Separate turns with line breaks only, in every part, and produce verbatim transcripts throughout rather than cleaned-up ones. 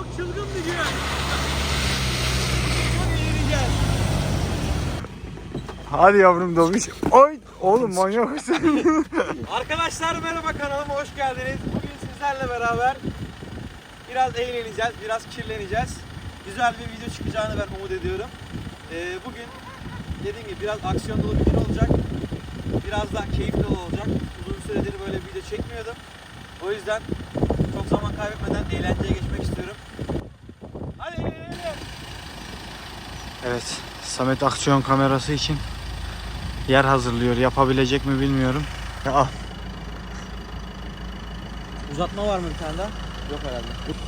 çılgın bir gün. Çok eğleneceğiz.
Hadi yavrum Dobiş. Oy oğlum manyak mısın?
Arkadaşlar merhaba, kanalıma hoş geldiniz. Bugün sizlerle beraber biraz eğleneceğiz, biraz kirleneceğiz. Güzel bir video çıkacağını ben umut ediyorum. Ee, bugün dediğim gibi biraz aksiyon dolu bir gün olacak. Biraz da keyif dolu olacak. Uzun süredir böyle bir video çekmiyordum. O yüzden çok zaman kaybetmeden eğlenceye geçmek istiyorum. Hadi eğlenelim.
Evet, Samet aksiyon kamerası için yer hazırlıyor. Yapabilecek mi bilmiyorum. Ya, al.
Uzatma var mı bir tane daha? Yok herhalde.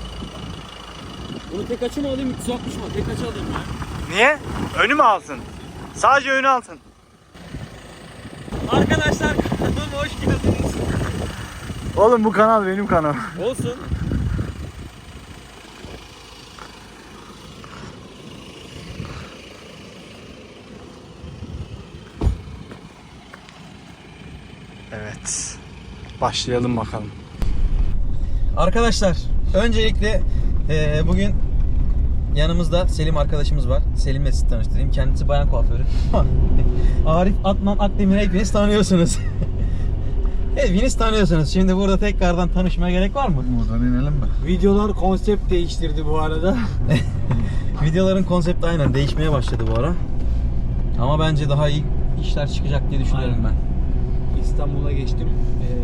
Bunu tek açı mı alayım, üç yüz altmış mı? Tek açı alayım ya.
Niye? Önü mü alsın? Sadece önü alsın.
Arkadaşlar kanalıma hoş geldiniz.
Oğlum bu kanal benim kanal.
Olsun.
Evet. Başlayalım bakalım.
Arkadaşlar öncelikle e, bugün yanımızda Selim arkadaşımız var. Selim'le sizi tanıştırayım. Kendisi bayan kuaförü. Arif Atman Akdemir'i hepiniz tanıyorsunuz. Hepiniz tanıyorsunuz. Şimdi burada tekrardan tanışmaya gerek var mı?
Buradan inelim mi?
Videolar konsept değiştirdi bu arada.
Videoların konsepti aynen değişmeye başladı bu ara. Ama bence daha iyi işler çıkacak diye düşünüyorum
Aynen.
ben.
İstanbul'a geçtim. Ee,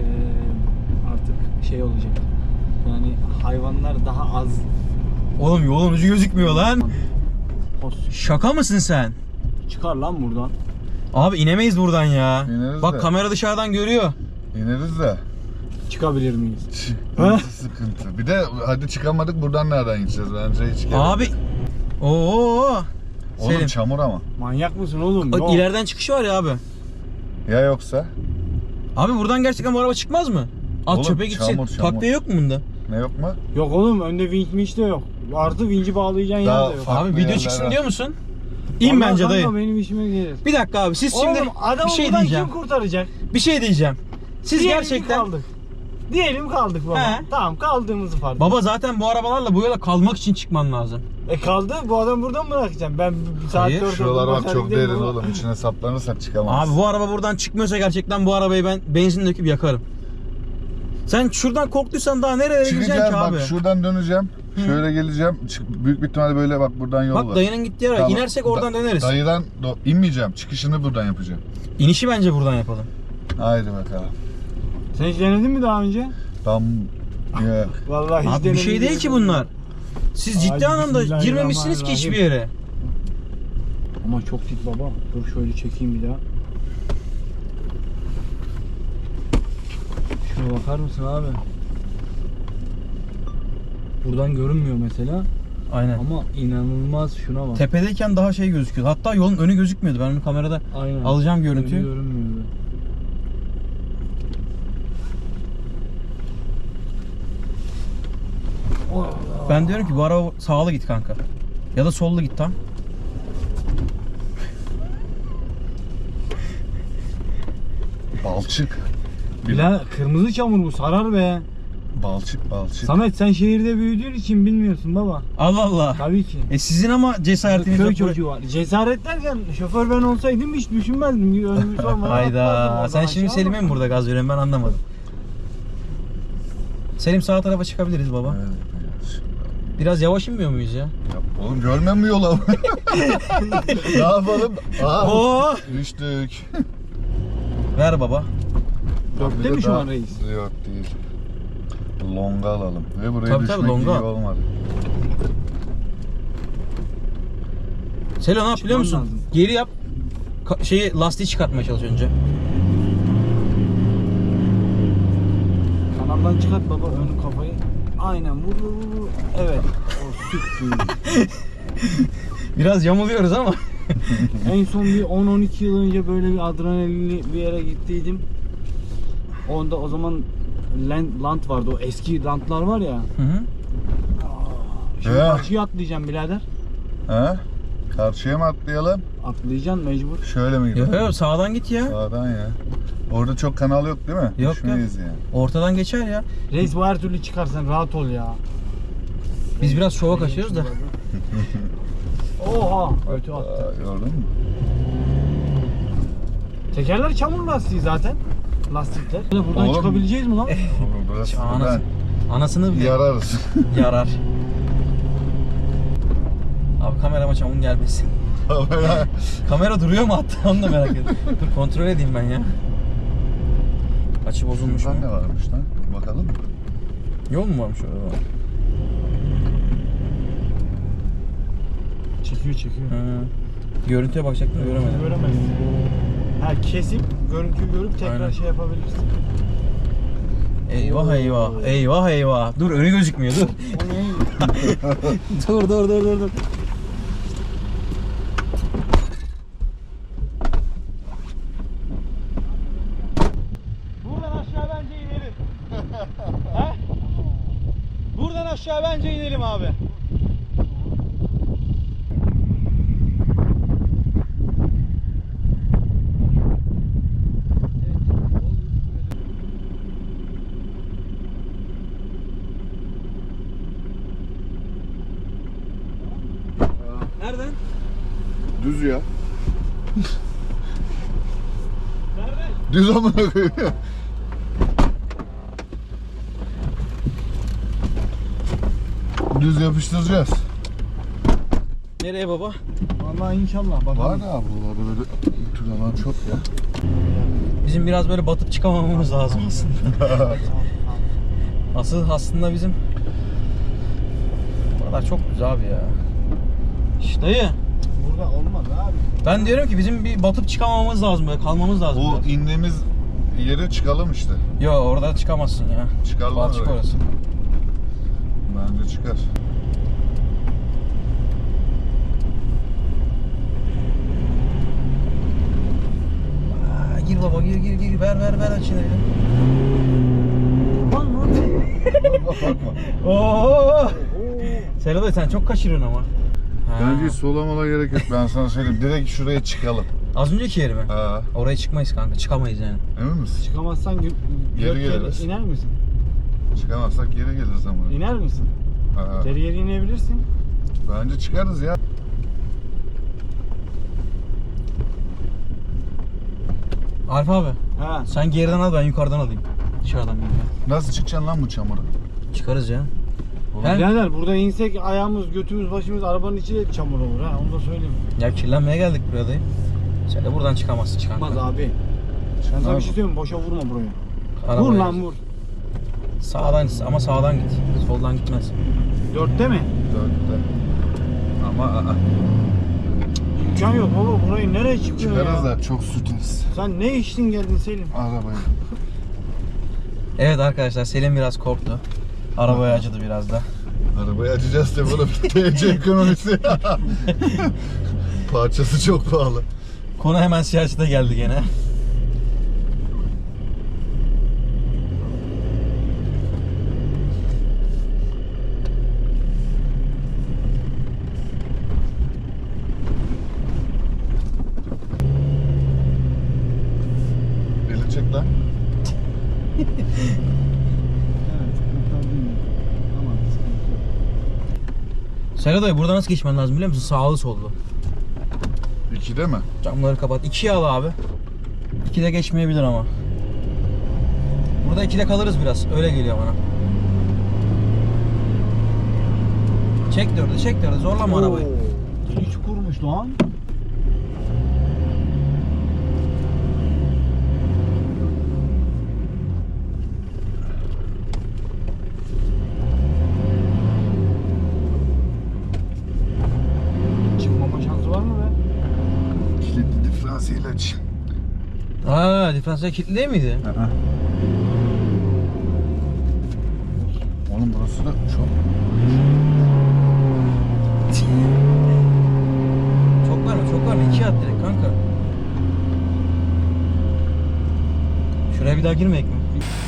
artık şey olacak. Yani hayvanlar daha az.
Oğlum yolun ucu gözükmüyor lan. Şaka mısın sen?
Çıkar lan buradan.
Abi inemeyiz buradan ya.
İneriz
Bak
de.
kamera dışarıdan görüyor.
İneriz de.
Çıkabilir miyiz?
Sıkıntı sıkıntı. Bir de hadi çıkamadık, buradan nereden gideceğiz? Bence hiç gerek
Abi.
yok.
Oo.
Oğlum
Selim.
çamur ama.
Manyak mısın oğlum?
Bak
Yok.
ileriden çıkışı var ya abi.
Ya yoksa?
Abi buradan gerçekten bu araba çıkmaz mı? At
Oğlum,
çöpe gitsin.
çamur, çamur.
Takviye yok mu bunda?
Ne yok mu?
Yok oğlum, önde vinç minç de yok. Artı vinci bağlayacağın
Daha
yer de yok.
farklı
Abi video
yerler
çıksın
var.
diyor musun? İn
Vallahi
bence
kanka
dayı.
benim işime gelir.
Bir dakika abi siz şimdi
Oğlum adamı
bir şey
buradan
diyeceğim.
kim kurtaracak?
Bir şey diyeceğim. Siz
Diyelim
gerçekten
kaldık. Diyelim kaldık baba.
He.
Tamam, kaldığımızı fark et.
baba zaten bu arabalarla bu yola kalmak için çıkman lazım.
E kaldı, bu adam buradan mı bırakacağım? Ben bir saat
Hayır,
dört
Şuralar
oldu,
bak
başar
çok
giderim
derin
baba.
oğlum. İçine saplanırsak çıkamayız.
Abi bu araba buradan çıkmıyorsa gerçekten bu arabayı ben benzin döküp yakarım. Sen şuradan korktuysan daha nereye gideceksin
Çıkacağız
ki
bak,
abi?
şuradan döneceğim. Şöyle geleceğim. Çık- büyük bir ihtimalle böyle bak buradan yol var.
Bak dayının gittiği yere
Tamam.
inersek oradan
Da-
döneriz.
Dayıdan do- inmeyeceğim. Çıkışını buradan yapacağım.
İnişi bence buradan yapalım.
Haydi bakalım.
Sen hiç denedin mi daha önce?
Tam ya.
Vallahi hiç
Abi bir şey değil ki bunlar. Siz ciddi
Ay,
anlamda girmemişsiniz ki hiçbir yere.
Ama çok dik baba. Dur şöyle çekeyim bir daha. Şuna bakar mısın abi? Buradan görünmüyor mesela.
Aynen.
Ama inanılmaz, şuna bak.
Tepedeyken daha şey gözüküyor. Hatta yolun önü gözükmüyordu. Ben bunu kamerada
Aynen.
alacağım
Önü
görüntüyü.
görünmüyordu.
Ben diyorum ki bu araba sağlı git kanka. Ya da sollu git tam.
Balçık.
Bilal, kırmızı çamur bu, sarar be.
Balçık balçık.
Samet, sen şehirde büyüdüğün için bilmiyorsun baba.
Allah Allah.
Tabii ki.
E sizin ama cesaretiniz
Köy
yok.
çocuğu var. Cesaret derken şoför ben olsaydım hiç düşünmezdim. Önümü sormadan atlardım
Hayda.
oradan
Sen şimdi
aşağı
Selim'e mi
ama.
burada gaz veriyorsun, ben anlamadım. Selim sağ tarafa çıkabiliriz baba.
Evet, evet.
Biraz yavaş inmiyor muyuz ya?
Ya oğlum görmem mi yola? Ne yapalım? Aa,
Oo!
düştük.
Ver baba.
Dörtte
Bir de
mi şu
daha-
an reis?
Yok değil. Longa alalım. Ve buraya
Tabii,
düşmek
tabii, longa
iyi
al.
olmadı.
Selo ne yap biliyor musun?
lazım.
Geri yap. Ka- şeyi lastiği çıkartmaya çalış önce.
Kanaldan çıkart baba ön kafayı. Aynen, vur vur vur, vur. Evet. O süttü.
Biraz yamuluyoruz ama.
En son bir on on iki yıl önce böyle bir adrenalinli bir yere gittiydim. Onda o zaman land, land vardı. O eski landlar var ya.
Hı hı.
Şimdi
Ya.
karşıya atlayacağım birader.
Ha? Karşıya mı atlayalım?
Atlayacaksın mecbur.
Şöyle mi gidelim?
Yok yok sağdan git ya.
Sağdan ya. Orada çok kanal yok değil mi?
Yok,
Düşmeyiz yani.
Ortadan geçer ya.
Reis, bu her türlü çıkarsan rahat ol ya.
Biz biraz şova kaçıyoruz da.
Oha! Ötü attı.
Aa, gördün mü?
Tekerler çamur lastiği zaten. Lastikler. Buradan
Oğlum.
çıkabileceğiz mi lan?
Oğlum burası
Anası, anasını
ben
bile
yararız.
yarar. Abi kamerama çamur gelmesin. Kamera duruyor mu hatta onu da merak ediyorum. Dur kontrol edeyim ben ya. Açı bozulmuş mu?
Şuradan ne varmış lan? Bakalım mı?
Yol mu varmış orada?
Çekiyor çekiyor.
Hı. Görüntüye bakacaktım göremedim.
Göremezsin. Ha kesip görüntüyü görüp tekrar
Aynen.
şey yapabilirsin.
Eyvah eyvah. Eyvah eyvah. Dur önü gözükmüyor dur.
O ne?
dur dur dur dur dur.
Buradan aşağı bence inelim. He? Buradan aşağı bence inelim abi.
Nereden?
Düz ya.
Nereden?
Düz amına koyayım. Düz yapıştıracağız.
Nereye baba?
Vallahi inşallah bakalım.
Var ya buralarda böyle bu tür alan çok ya.
Bizim biraz böyle batıp çıkamamamız lazım aslında. Asıl aslında bizim buralar çok güzel abi ya. İşte dayı.
Burada olmaz abi.
Ben diyorum ki bizim bir batıp çıkamamamız lazım böyle kalmamız lazım.
O
biraz.
indiğimiz yere çıkalım işte.
Yo orada çıkamazsın ya.
Çıkar lan
Balçık
oraya.
orası.
Bence çıkar.
Aa, gir baba gir gir gir ver ver ver açın elini.
Bakma.
Oo. Selo sen çok kaçırıyorsun ama. Ha.
Bence hiç solamala gerek yok. Ben sana söyleyeyim. Direkt şuraya çıkalım.
Az önceki yeri mi?
Ha,
Oraya çıkmayız kanka. Çıkamayız yani.
emin misin?
Çıkamazsan gö-
Geri
geri
geliriz.
iner misin?
Çıkamazsak geri geliriz ama.
İner misin?
Ha,
Geri geri inebilirsin.
bence çıkarız ya.
Arif abi
Ha.
sen geriden al ben yukarıdan alayım. Dışarıdan bir ya.
Nasıl çıkacaksın lan bu çamura?
Çıkarız ya. He?
Birader burada insek ayağımız, götümüz, başımız arabanın içi de çamur olur ha. Onu da söyleyeyim.
Ya kirlenmeye geldik buraya dayı. Sen de buradan çıkamazsın çıkan.
Olmaz abi. Ben sana bir şey söyleyeyim mi? Boşa vurma buraya.
Arabaya
Vur lan
gir.
vur.
Sağdan ama sağdan git. Soldan gitmez.
Dörtte mi?
Dörtte. Ama aa,
İmkan yok baba. Burayı nereye çıkıyor
çıkarız
ya?
da çok sürtünüz.
Sen ne içtin geldin Selim?
Arabaya.
Evet arkadaşlar Selim biraz korktu. Arabaya acıdı biraz da.
Arabayı açacağız da böyle T C ekonomisi. Parçası çok pahalı.
Konu hemen siyasete geldi gene.
Eli çek lan.
Evet. kurtardım. Tamam sıkıntı yok.
Selo dayı burada nasıl geçmen lazım biliyor musun? Sağlı sollu.
İkide mi?
Camları kapat. İkiye al abi. İkide geçmeyebilir ama. Burada ikide kalırız biraz. Öyle geliyor bana. Çek dördü, çek dördü. Zorlama arabayı.
Deli çukurmuş lan. Çıkmama şansı var mı be?
Kilitli diferansiyel aç.
Aa, diferansiyel kilitli değil miydi?
Oğlum burası da çok...
Çok var mı? Çok var mı? İkiye at direkt kanka. Şuraya bir daha girmeyek mi?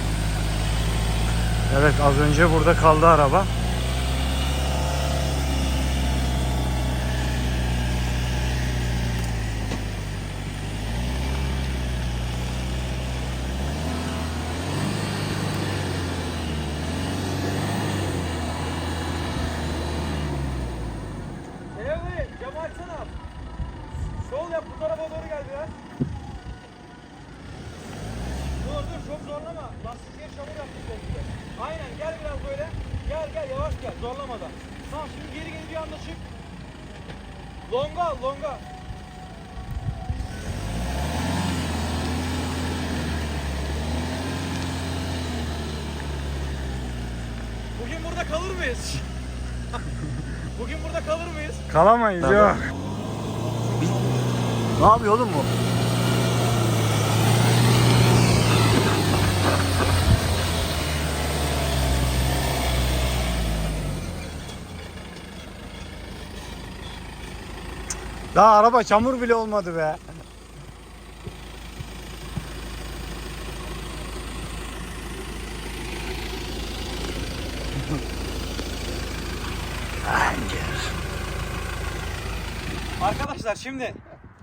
Evet az önce burada kaldı araba.
Şimdi geri geri bir anda çık. Longa al, longa. Bugün burada kalır mıyız? Bugün burada kalır mıyız?
Kalamayız yok. Ne yapıyor oğlum bu? Daha araba çamur bile olmadı be.
Arkadaşlar şimdi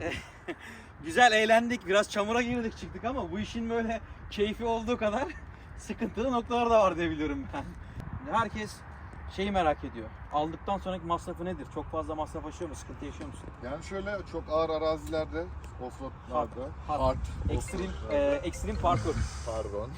güzel eğlendik, biraz çamura girdik çıktık ama bu işin böyle keyfi olduğu kadar sıkıntılı noktaları da var diye biliyorum ben. Herkes şeyi merak ediyor. Aldıktan sonraki masrafı nedir? Çok fazla masraf yaşıyor mu? Sıkıntı yaşıyor musun?
Yani şöyle çok ağır arazilerde, offroadlarda,
Hard,
hard,
Extreme,
offroadlarda-
e, extreme parkur.
Pardon.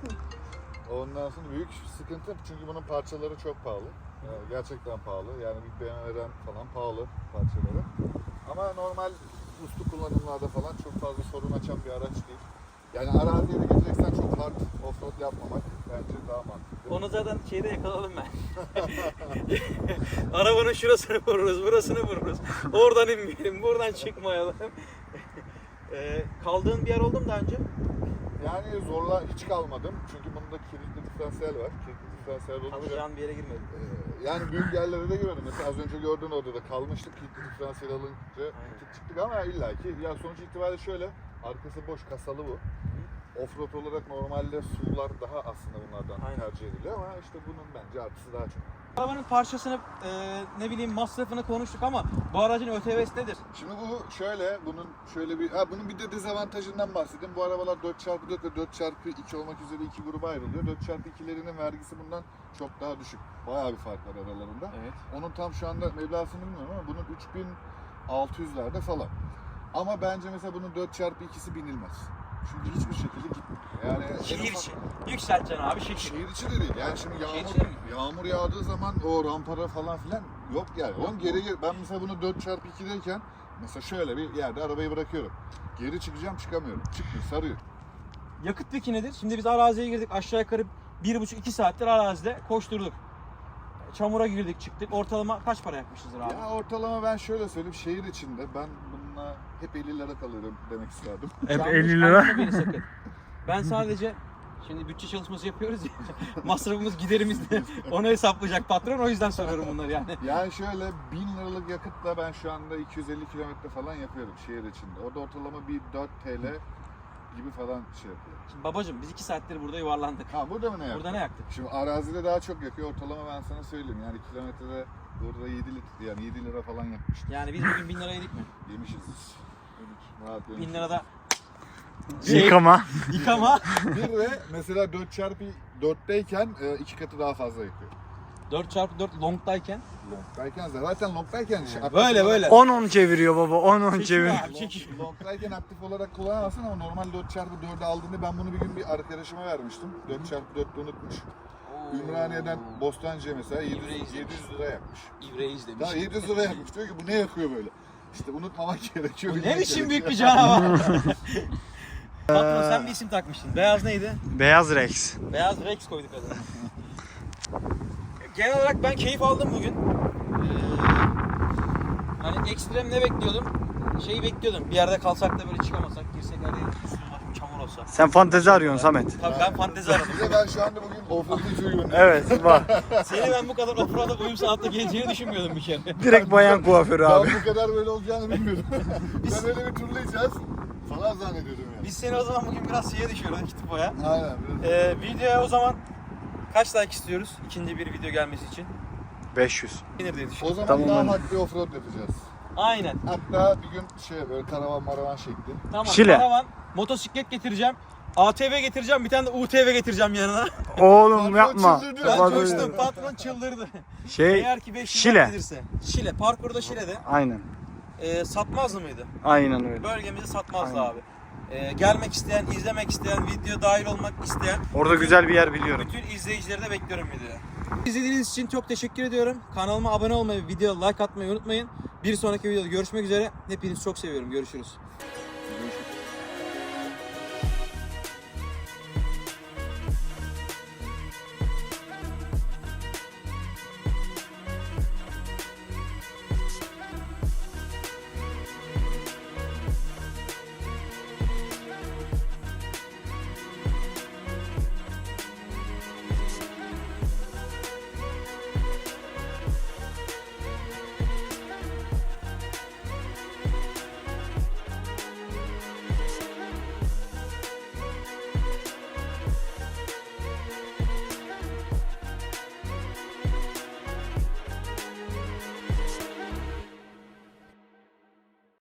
Ondan sonra büyük sıkıntı çünkü bunun parçaları çok pahalı. Yani gerçekten pahalı. Yani bir B M W'den falan pahalı parçaları. Ama normal uslu kullanımlarda falan çok fazla sorun açan bir araç değil. Yani araziye de gideceksen çok hard offroad yapmamak bence daha mantıklı.
Onu zaten şeyde yakaladım ben. Arabanın şurasını vururuz, burasını vururuz. Oradan inmeyelim, buradan çıkmayalım. e, kaldığın bir yer oldu mu daha önce?
Yani zorla hiç kalmadım. Çünkü bunda kilitli diferansiyel var. Kilitli diferansiyel olunca
Alacağın bir yere girmedim.
Ee, yani büyük yerlere de gördüm. Mesela az önce gördüğün odada kalmıştık. Kilitli diferansiyel alınca gittik çıktık ama illaki. Ya sonuç itibariyle şöyle. Arkası boş, kasalı bu. Offroad olarak normalde sular daha aslında bunlardan
Aynen.
tercih ediliyor ama işte bunun bence artısı daha çok.
Arabanın parçasını, e, ne bileyim masrafını konuştuk ama bu aracın Ö T V'si nedir?
Şimdi bu şöyle, bunun şöyle bir, ha bunun bir de dezavantajından bahsedeyim. Bu arabalar dört çarpı dört ve dört çarpı iki olmak üzere iki gruba ayrılıyor. dört çarpı ikilerinin vergisi bundan çok daha düşük. Bayağı bir fark var aralarında.
Evet.
Onun tam şu anda meblağını bilmiyorum ama bunun üç bin altı yüzlerde falan. Ama bence mesela bunun dört çarpı ikisi binilmez. Çünkü hiçbir şekilde gitmiyor. Yani en
Şehir
ufak-
içi. Yükselteceksin abi şehir.
Şehir içi de değil. Yani şimdi
Şehir
yağmur,
içi mi?
yağmur yağdığı zaman o rampara falan filan yok yani. Onun geri geri, ben mesela bunu dört çarpı ikideyken mesela şöyle bir yerde arabayı bırakıyorum. Geri çıkacağım çıkamıyorum. Çıkmıyor, sarıyor.
Yakıt peki nedir? Şimdi biz araziye girdik, aşağı yukarı bir buçuk iki saattir arazide koşturduk. Çamura girdik çıktık. Ortalama kaç para yakmışızdır abi?
Ya ortalama ben şöyle söyleyeyim, şehir içinde ben bununla hep elli lira kalıyorum demek isterdim.
Hep
Yanlış
elli lira.
anlama beni sakın. Ben sadece şimdi bütçe çalışması yapıyoruz ya. Masrafımız, giderimiz de onu hesaplayacak patron. O yüzden soruyorum bunları yani.
Yani şöyle bin liralık yakıtla ben şu anda iki yüz elli kilometre falan yapıyorum şehir içinde. O da ortalama bir dört TL gibi falan şey yapıyor.
Şimdi babacım biz iki saattir burada yuvarlandık.
Ha burada mı ne yaptık?
Burada ne yaktık?
Şimdi arazide daha çok yakıyor. Ortalama ben sana söyleyeyim. Yani kilometrede burada yedi litre yani yedi lira falan yakmıştık.
Yani biz bugün bin lira yedik mi?
Yemişiz. Rahat yemişiz.
Bin lirada
Yıkama.
yıkama.
Bir de mesela dört çarpı dörtteyken e, iki katı daha fazla yakıyor.
dört çarpı dört longdayken.
Longdayken zaten longdayken şey, aktif
Böyle,
olarak-
böyle.
on on çeviriyor baba. on on
Çekiyor
çeviriyor.
abi, çekiyor.
Longdayken aktif olarak kullanamazsın ama normal dört çarpı dörde aldığında ben bunu bir gün bir arkadaşıma vermiştim. dört çarpı dörtte unutmuş. Ümraniye'den Bostancı'ya mesela yedi yüz,
İbreyiz
yedi yüz lira yakmış.
İbreyiz demiş.
Daha yedi yüz lira yakmış. Diyor ki bu ne yakıyor böyle? İşte unutmamak gerekiyor.
Bu ne
bilmek
biçim büyük bir
gerekiyor.
canavar. Patron sen bir isim takmıştın. Beyaz neydi?
Beyaz Rex.
Beyaz Rex koyduk adına. Genel olarak ben keyif aldım bugün. Ee, hani ekstrem ne bekliyordum? Şeyi bekliyordum. Bir yerde kalsak da böyle çıkamasak, girsek her yer üstüne çamur olsa.
Sen fantezi arıyorsun Samet.
Tabii ben fantezi aradım.
Bir de ben şu anda bugün offroad'u uyuyorum.
Evet var.
Seni ben bu kadar offroad'a uyum saatte geleceğini düşünmüyordum bir kere.
Direkt bayan kuaförü abi.
Ben bu kadar böyle olacağını bilmiyordum. ben öyle bir turlayacağız falan zannediyordum yani.
Biz seni o zaman bugün biraz şeye düşüyoruz Kitipo'ya.
Aynen. Biraz.
Ee, videoya o zaman kaç like istiyoruz ikinci bir video gelmesi için?
beş yüz.
Gelir diye
O
düşünüyorum.
zaman
Tamam,
daha
ben-
hard bir offroad yapacağız.
Aynen.
Hatta bir gün şey böyle karavan maravan şekli.
Tamam.
Şile.
Karavan, motosiklet getireceğim. A T V getireceğim. Bir tane de U T V getireceğim yanına.
Oğlum
Patron
yapma.
çıldırdı.
Ben
Bak-
coştum. Patron çıldırdı.
Şey
Eğer ki beş yüz
Şile.
gelirse. Şile. Parkurda Şile'de.
Aynen.
E, satmazdı mıydı?
Aynen öyle.
Bölgemizi satmazdı
Aynen.
abi. E, gelmek isteyen, izlemek isteyen, video dahil olmak isteyen
Orada güzel bir yer biliyorum.
bütün izleyicileri de bekliyorum videoya. İzlediğiniz için çok teşekkür ediyorum. Kanalıma abone olmayı, videoya like atmayı unutmayın. Bir sonraki videoda görüşmek üzere. Hepinizi çok seviyorum. Görüşürüz.